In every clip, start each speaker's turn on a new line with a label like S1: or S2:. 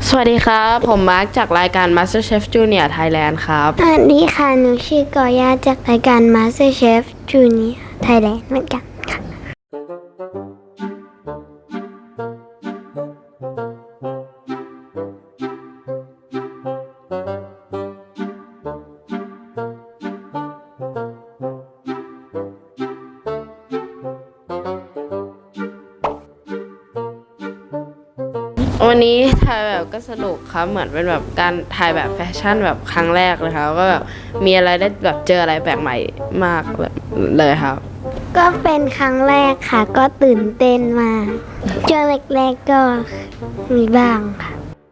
S1: สวัสดีครับผมมาร์คจากรายการ MasterChef Junior Thailand ครับ
S2: สวัสดีค่ะหนูชื่อกอย่าจากรายการ MasterChef Junior Thailand เหมือนกันค่ะ
S1: วันนี้ถ่ายแบบก็สนุกครับเหมือนเป็นแบบการถ่ายแบบแฟชั่นแบบครั้งแรกเลยครับก็แบบมีอะไรได้แบบเจออะไรแปลกใหม่มากเลยครับ
S2: ก็เป็นครั้งแรกค่ะก็ตื่นเต้นมากช่วงแรกๆก็มีบ้างค่ะ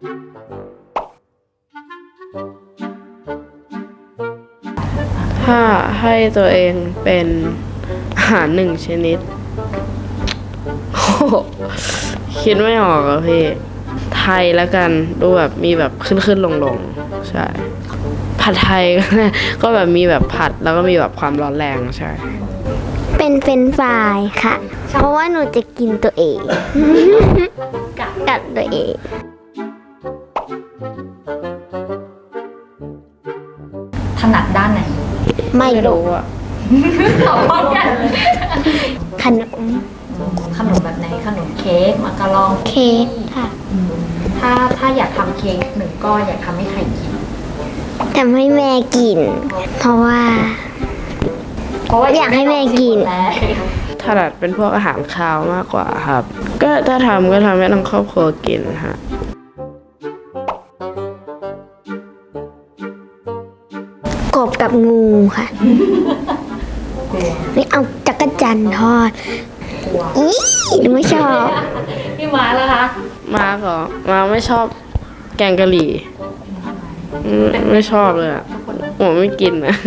S1: ถ้าให้ตัวเองเป็นอาหารหนึ่งชนิดโอ้โหคิดไม่ออกอะพี่ไทยแล้วกันดูแบบมีแบบขึ้นลงใช่ผัดไทยก็แบบมีแบบผัดแล้วก็มีแบบความร้อนแรงใช่
S2: เป็นเฟรนช์ฟรายค่ะ เพราะว่าหนูจะกินตัวเอง กัดตัวเอง
S3: ถนัดด้านไหน
S2: ไม่รู้
S1: อะ
S3: ตอบพร้อมกัน
S2: ขนม
S3: ขนมแบบไหนขนมเค้กมักกะลอง
S2: เค้กค่ะ
S3: ถ้าอยากทำเค้กหนึ่งก้อนอยากทำให้ใครกิน
S2: ทำให้แม่กิน เพราะว่า อยากให้แม่กิน
S1: ถนัดเป็นพวกอาหารคาวมากกว่าครับ ก็ถ้าทำก็ทำให้ทั้งครอบครัวกินฮะ
S2: กบกับงูค่ะไม่เอาจักรจันทร์ทอด
S3: กลัว
S2: อีหนูไม่ชอบ
S3: พี่ม้าแล้วคะ
S1: มาก่อนมาไม่ชอบแกงกะหรี่ไม่ชอบเลยอะผมไม่กินนะ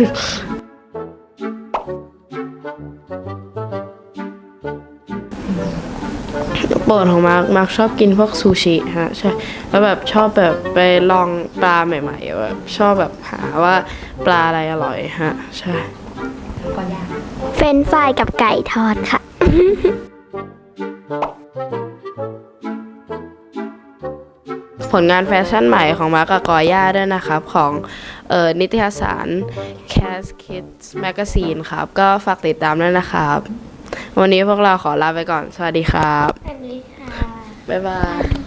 S1: โปรดของมาร์คชอบกินพวกซูชิฮะใช่แล้วแบบชอบแบบไปลองปลาใหม่ๆแบบชอบแบบหาว่าปลาอะไรอร่อยฮะใช่
S3: ก็ยาก
S2: เฟรนช์ฟรายกับไก่ทอดค่ะ
S1: ผลงานแฟชั่นใหม่ของมาร์คกับกอย่าด้วยนะครับของนิตยสาร Cash Kids Magazine ครับก็ฝากติดตามด้วยนะครับวันนี้พวกเราขอลาไปก่อนสวัสดีครับ
S2: สวัสดีค่ะ
S1: บ๊ายบาย